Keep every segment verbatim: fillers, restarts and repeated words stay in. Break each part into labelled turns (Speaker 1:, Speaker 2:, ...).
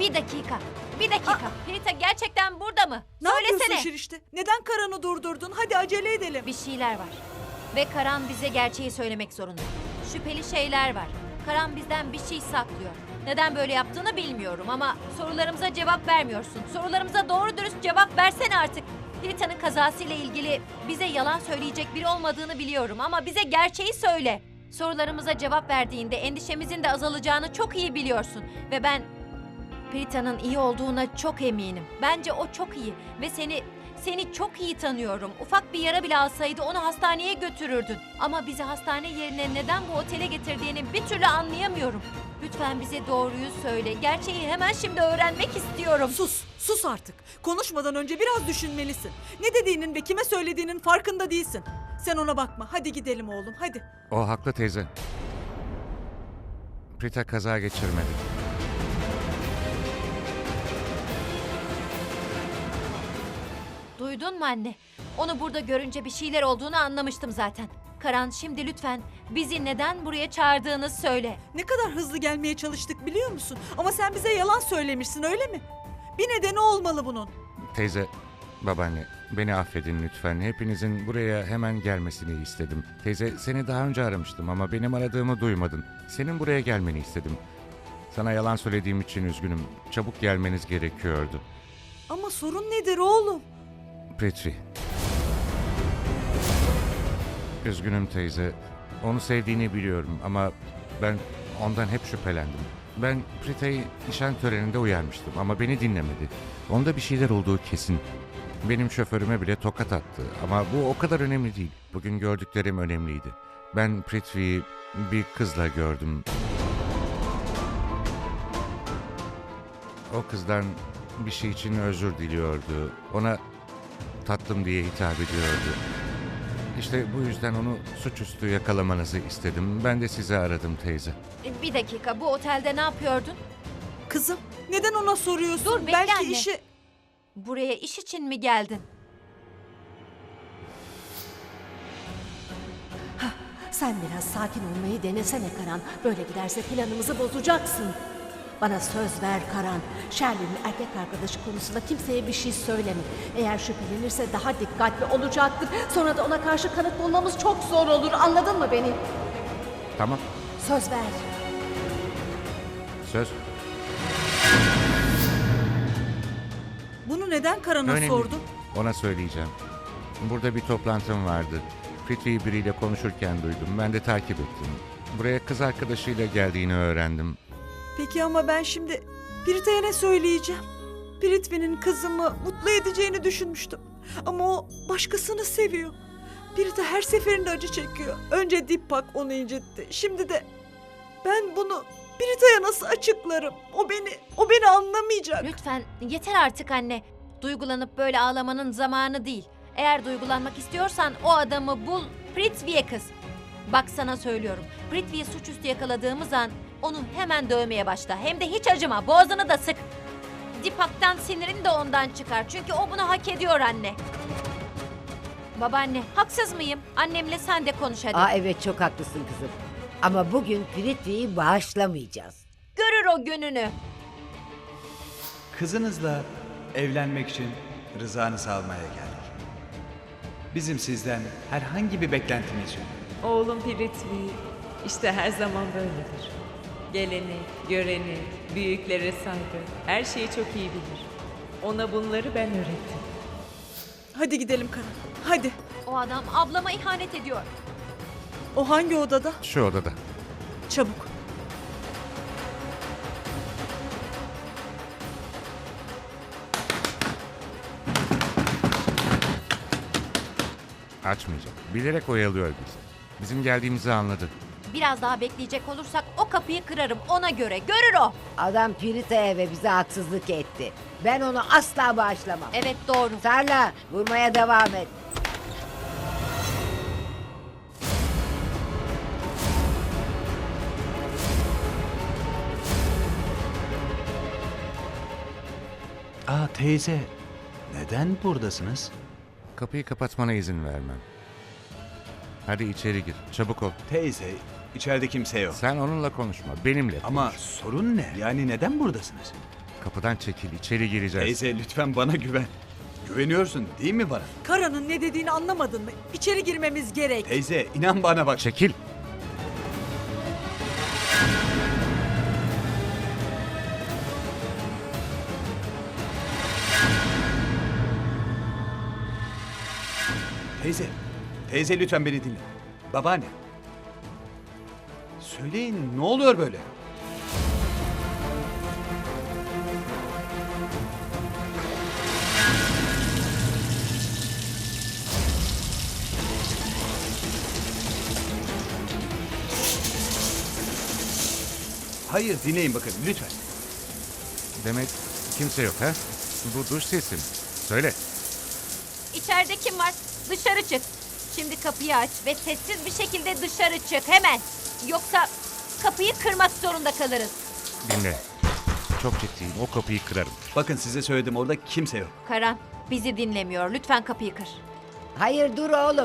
Speaker 1: Bir dakika. Bir dakika. Prita gerçekten burada mı?
Speaker 2: Ne
Speaker 1: Söylesene.
Speaker 2: yapıyorsun Şirişte? Neden Karan'ı durdurdun? Hadi acele edelim.
Speaker 1: Bir şeyler var. Ve Karan bize gerçeği söylemek zorunda. Şüpheli şeyler var. Karan bizden bir şey saklıyor. Neden böyle yaptığını bilmiyorum ama sorularımıza cevap vermiyorsun. Sorularımıza doğru dürüst cevap versene artık. Prita'nın kazasıyla ilgili bize yalan söyleyecek biri olmadığını biliyorum ama bize gerçeği söyle. Sorularımıza cevap verdiğinde endişemizin de azalacağını çok iyi biliyorsun. Ve ben Prita'nın iyi olduğuna çok eminim. Bence o çok iyi ve seni seni çok iyi tanıyorum. Ufak bir yara bile alsaydı onu hastaneye götürürdün. Ama bizi hastane yerine neden bu otele getirdiğini bir türlü anlayamıyorum. Lütfen bize doğruyu söyle. Gerçeği hemen şimdi öğrenmek istiyorum.
Speaker 2: Sus, sus artık. Konuşmadan önce biraz düşünmelisin. Ne dediğinin ve kime söylediğinin farkında değilsin. Sen ona bakma. Hadi gidelim oğlum, hadi.
Speaker 3: O haklı teyze. Prita kaza geçirmedi.
Speaker 1: Duydun mu anne? Onu burada görünce bir şeyler olduğunu anlamıştım zaten. Karan, şimdi lütfen bizi neden buraya çağırdığını söyle.
Speaker 2: Ne kadar hızlı gelmeye çalıştık biliyor musun? Ama sen bize yalan söylemişsin, öyle mi? Bir nedeni olmalı bunun.
Speaker 3: Teyze, babaanne, beni affedin lütfen. Hepinizin buraya hemen gelmesini istedim. Teyze, seni daha önce aramıştım ama benim aradığımı duymadın. Senin buraya gelmeni istedim. Sana yalan söylediğim için üzgünüm. Çabuk gelmeniz gerekiyordu.
Speaker 2: Ama sorun nedir oğlum?
Speaker 3: Prithvi. Üzgünüm teyze. Onu sevdiğini biliyorum ama ben ondan hep şüphelendim. Ben Prita'yı nişan töreninde uyarmıştım ama beni dinlemedi. Onda bir şeyler olduğu kesin. Benim şoförüme bile tokat attı ama bu o kadar önemli değil. Bugün gördüklerim önemliydi. Ben Prithvi'yi bir kızla gördüm. O kızdan bir şey için özür diliyordu. Ona tatlım diye hitap ediyordu. İşte bu yüzden onu suçüstü yakalamanızı istedim. Ben de sizi aradım teyze.
Speaker 1: Bir dakika, bu otelde ne yapıyordun?
Speaker 2: Kızım, neden ona soruyorsun?
Speaker 1: Dur, bekle
Speaker 2: Belki
Speaker 1: anne.
Speaker 2: işi...
Speaker 1: Buraya iş için mi geldin?
Speaker 4: Sen biraz sakin olmayı denesene Karan. Böyle giderse planımızı bozacaksın. Bana söz ver Karan. Sherlin'in erkek arkadaşı konusunda kimseye bir şey söyleme. Eğer şüphelenirse daha dikkatli olacaktır. Sonra da ona karşı kanıt bulmamız çok zor olur. Anladın mı beni?
Speaker 3: Tamam,
Speaker 4: Söz ver.
Speaker 3: söz.
Speaker 2: Bunu neden Karan'a
Speaker 3: Önemli.
Speaker 2: sordun?
Speaker 3: Ona söyleyeceğim. Burada bir toplantım vardı. Prithvi'yi biriyle konuşurken duydum. Ben de takip ettim. Buraya kız arkadaşıyla geldiğini öğrendim.
Speaker 2: Peki ama ben şimdi Prita'ya ne söyleyeceğim? Prithvi'nin kızımı mutlu edeceğini düşünmüştüm. Ama o başkasını seviyor. Prita her seferinde acı çekiyor. Önce Deepak onu incitti. Şimdi de ben bunu Prita'ya nasıl açıklarım? O beni, o beni anlamayacak.
Speaker 1: Lütfen yeter artık anne. Duygulanıp böyle ağlamanın zamanı değil. Eğer duygulanmak istiyorsan o adamı bul, Prithvi'ye kız. Bak sana söylüyorum. Prithvi'yi suçüstü yakaladığımız an onu hemen dövmeye başla. Hem de hiç acıma, boğazını da sık. Deepak'tan sinirini de ondan çıkar. Çünkü o bunu hak ediyor anne. Babaanne, haksız mıyım? Annemle sen de konuş hadi.
Speaker 5: Aa evet çok haklısın kızım. Ama bugün Prithvi'yi bağışlamayacağız.
Speaker 1: Görür o gününü.
Speaker 6: Kızınızla evlenmek için rızanızı almaya geldik. Bizim sizden herhangi bir beklentimiz yok.
Speaker 7: Oğlum Prithvi işte her zaman böyledir. Gelenek, görenek, büyüklere saygı, her şeyi çok iyi bilir. Ona bunları ben öğrettim.
Speaker 2: Hadi gidelim Karan. Hadi.
Speaker 1: O adam ablama ihanet ediyor.
Speaker 2: O hangi odada?
Speaker 3: Şu odada.
Speaker 2: Çabuk.
Speaker 3: Açmayacak. Bilerek oyalıyor bizi. Bizim geldiğimizi anladı.
Speaker 1: Biraz daha bekleyecek olursak o kapıyı kırarım ona göre. Görür o.
Speaker 5: Adam Prita'ya ve bize haksızlık etti. Ben onu asla bağışlamam.
Speaker 1: Evet doğru.
Speaker 5: Sarla vurmaya devam et.
Speaker 6: Aa teyze, neden buradasınız?
Speaker 3: Kapıyı kapatmana izin vermem. Hadi içeri gir. Çabuk ol.
Speaker 6: Teyze, içeride kimse yok.
Speaker 3: Sen onunla konuşma. Benimle konuş.
Speaker 6: Ama sorun ne? Yani neden buradasınız?
Speaker 3: Kapıdan çekil, içeri gireceğiz.
Speaker 6: Teyze lütfen bana güven. Güveniyorsun değil mi bana?
Speaker 2: Karan'ın ne dediğini anlamadın mı? İçeri girmemiz gerek.
Speaker 6: Teyze inan bana bak.
Speaker 3: Çekil.
Speaker 6: Teyze. Teyze lütfen beni dinle. Babaanne. Söyleyin ne oluyor böyle? Hayır dinleyin bakın lütfen.
Speaker 3: Demek kimse yok ha? Bu duş sesi mi? Söyle.
Speaker 1: İçeride kim var? Dışarı çık. Şimdi kapıyı aç ve sessiz bir şekilde dışarı çık hemen. Yoksa kapıyı kırmak zorunda kalırız.
Speaker 3: Dinle. Çok ciddiyim. O kapıyı kırarım.
Speaker 6: Bakın size söyledim orada kimse yok.
Speaker 1: Karan bizi dinlemiyor. Lütfen kapıyı kır.
Speaker 5: Hayır dur oğlum.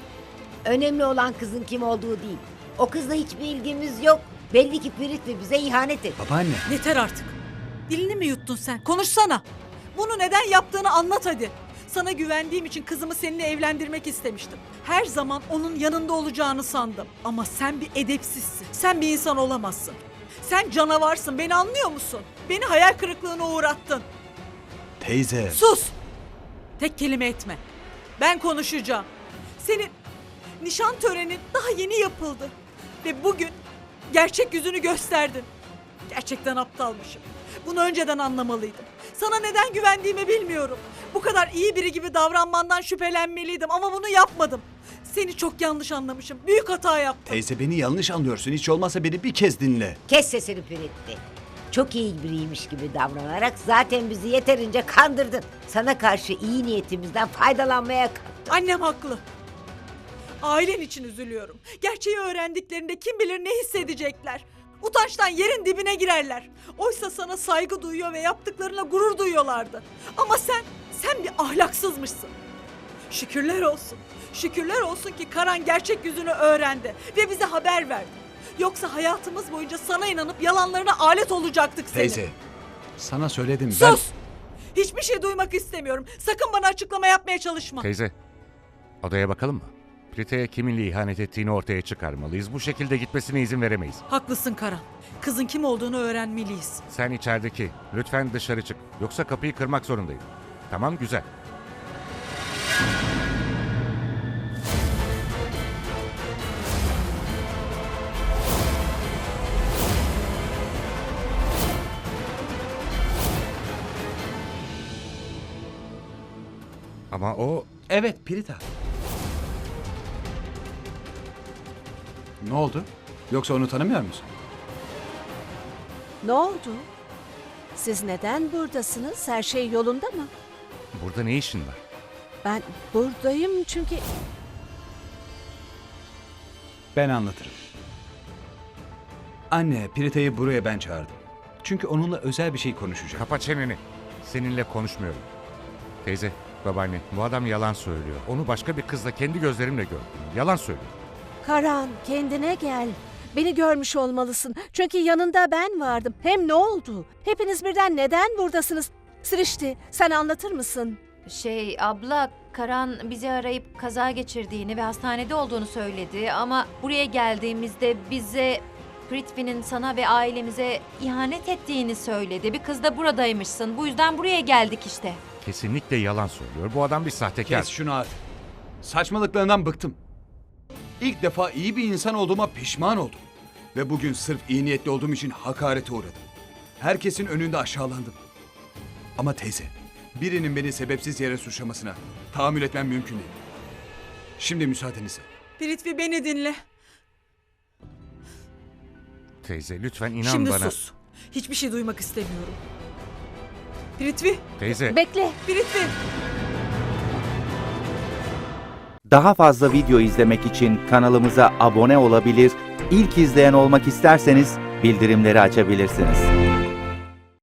Speaker 5: Önemli olan kızın kim olduğu değil. O kızla hiçbir ilgimiz yok. Belli ki Piritvi bize ihanet etti.
Speaker 6: Babaanne.
Speaker 2: Yeter artık. Dilini mi yuttun sen? Konuşsana. Bunu neden yaptığını anlat hadi. Sana güvendiğim için kızımı seninle evlendirmek istemiştim. Her zaman onun yanında olacağını sandım. Ama sen bir edepsizsin. Sen bir insan olamazsın. Sen canavarsın. Beni anlıyor musun? Beni hayal kırıklığına uğrattın.
Speaker 6: Teyze.
Speaker 2: Sus! Tek kelime etme. Ben konuşacağım. Senin nişan törenin daha yeni yapıldı. Ve bugün gerçek yüzünü gösterdin. Gerçekten aptalmışım. Bunu önceden anlamalıydım. Sana neden güvendiğimi bilmiyorum. Bu kadar iyi biri gibi davranmandan şüphelenmeliydim ama bunu yapmadım. Seni çok yanlış anlamışım. Büyük hata yaptım.
Speaker 6: Teyze beni yanlış anlıyorsun. Hiç olmazsa beni bir kez dinle.
Speaker 5: Kes sesini Piritvi. Çok iyi biriymiş gibi davranarak zaten bizi yeterince kandırdın. Sana karşı iyi niyetimizden faydalanmaya kalktın.
Speaker 2: Annem haklı. Ailen için üzülüyorum. Gerçeği öğrendiklerinde kim bilir ne hissedecekler. Utançtan yerin dibine girerler. Oysa sana saygı duyuyor ve yaptıklarına gurur duyuyorlardı. Ama sen, sen bir ahlaksızmışsın. Şükürler olsun. Şükürler olsun ki Karan gerçek yüzünü öğrendi ve bize haber verdi. Yoksa hayatımız boyunca sana inanıp yalanlarına alet olacaktık senin.
Speaker 6: Teyze. Sana söyledim ben.
Speaker 2: Sus! Hiçbir şey duymak istemiyorum. Sakın bana açıklama yapmaya çalışma.
Speaker 3: Teyze. Odaya bakalım mı? Prita'ya kiminle ihanet ettiğini ortaya çıkarmalıyız. Bu şekilde gitmesine izin veremeyiz.
Speaker 2: Haklısın Karan. Kızın kim olduğunu öğrenmeliyiz.
Speaker 3: Sen içerideki. Lütfen dışarı çık. Yoksa kapıyı kırmak zorundayım. Tamam, güzel. Ama o
Speaker 6: Evet Pirita. Ne oldu? Yoksa onu tanımıyor musun?
Speaker 4: Ne oldu? Siz neden buradasınız? Her şey yolunda mı?
Speaker 3: burada ne işin var?
Speaker 4: Ben buradayım çünkü...
Speaker 6: Ben anlatırım. Anne, Pirita'yı buraya ben çağırdım. Çünkü onunla özel bir şey konuşacağım.
Speaker 3: Kapa çeneni. Seninle konuşmuyorum. Teyze, babaanne, bu adam yalan söylüyor. Onu başka bir kızla kendi gözlerimle gördüm. Yalan söylüyor.
Speaker 4: Karan, kendine gel. Beni görmüş olmalısın. Çünkü yanında ben vardım. Hem ne oldu? Hepiniz birden neden buradasınız? Sirişti, sen anlatır mısın?
Speaker 1: Şey abla, Karan bizi arayıp kaza geçirdiğini ve hastanede olduğunu söyledi. Ama buraya geldiğimizde bize Pritvi'nin sana ve ailemize ihanet ettiğini söyledi. Bir kız da buradaymışsın. Bu yüzden buraya geldik işte.
Speaker 3: Kesinlikle yalan söylüyor. Bu adam bir sahtekar.
Speaker 6: Kes şunu artık. Saçmalıklarından bıktım. İlk defa iyi bir insan olduğuma pişman oldum. Ve bugün sırf iyi niyetli olduğum için hakarete uğradım. Herkesin önünde aşağılandım. Ama teyze, birinin beni sebepsiz yere suçlamasına tahammül etmem mümkün değil. Şimdi müsaadenizle.
Speaker 2: Piritvi beni dinle.
Speaker 3: Teyze lütfen inan
Speaker 2: Şimdi
Speaker 3: bana.
Speaker 2: sus. Hiçbir şey duymak istemiyorum. Piritvi,
Speaker 3: Teyze.
Speaker 4: Bekle.
Speaker 2: Piritvi.
Speaker 8: Daha fazla video izlemek için kanalımıza abone olabilir, ilk izleyen olmak isterseniz bildirimleri açabilirsiniz.